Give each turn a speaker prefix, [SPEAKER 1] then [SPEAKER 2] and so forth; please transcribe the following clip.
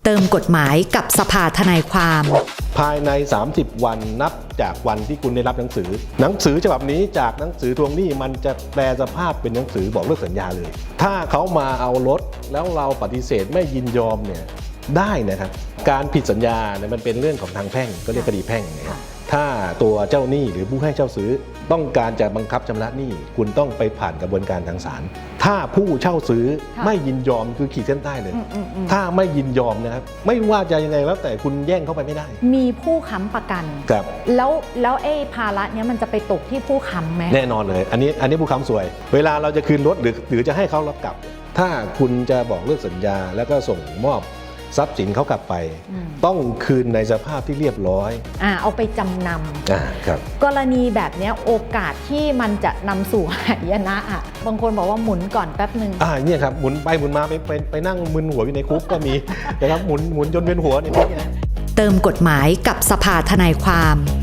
[SPEAKER 1] เติมกฎหมายกับสภาทนายความ
[SPEAKER 2] ภายใน 30 วันนับจากวันที่คุณได้รับหนังสือฉบับนี้จากหนังสือทวงหนี้มันจะแปลสภาพเป็นหนังสือบอกเลิกสัญญาเลยถ้าเขามาเอารถแล้วเราปฏิเสธไม่ยินยอมเนี่ยได้นะครับการผิดสัญญาเนี่ยมันเป็นเรื่องของทางแพ่งก็เรียกคดีแพ่งเนี่ยถ้าตัวเจ้าหนี้หรือผู้ให้เช่าซื้อต้องการจะบังคับชำระหนี้คุณต้องไปผ่านกระบวนการทางศาลถ้าผู้เช่าซื้อไม่ยินยอมคือขีดเส้นใต้เลยถ้าไม่ยินยอมนะครับไม่ว่าจะยังไงแล้วแต่คุณแย่งเข้าไปไม่ได้
[SPEAKER 3] มีผู้ค้ำประกัน
[SPEAKER 2] ครับ
[SPEAKER 3] แล้วไอ้ภาระเนี้ยมันจะไปตกที่ผู้ค้ำไหม
[SPEAKER 2] แน่นอนเลยอันนี้ผู้ค้ำสวย เวลาเราจะคืนรถหรือจะให้เขารับกลับถ้าคุณจะบอกเลิกสัญญาแล้วก็ส่งมอบทรัพย์สินเขากลับไปต้องคืนในสภาพที่เรียบร้อย
[SPEAKER 3] เอาไปจำน
[SPEAKER 2] ำครับ
[SPEAKER 3] กรณีแบบนี้โอกาสที่มันจะนำสู่หายนะบางคนบอกว่าหมุนก่อนแป๊บนึง
[SPEAKER 2] เนี่ยครับหมุนไปหมุนมาไปนั่งมึนหัวอยู่ในคุกก็มีนะครับหมุนจนเป็นหัวเนี่ย
[SPEAKER 1] เติมกฎหมายกับสภาทนายความ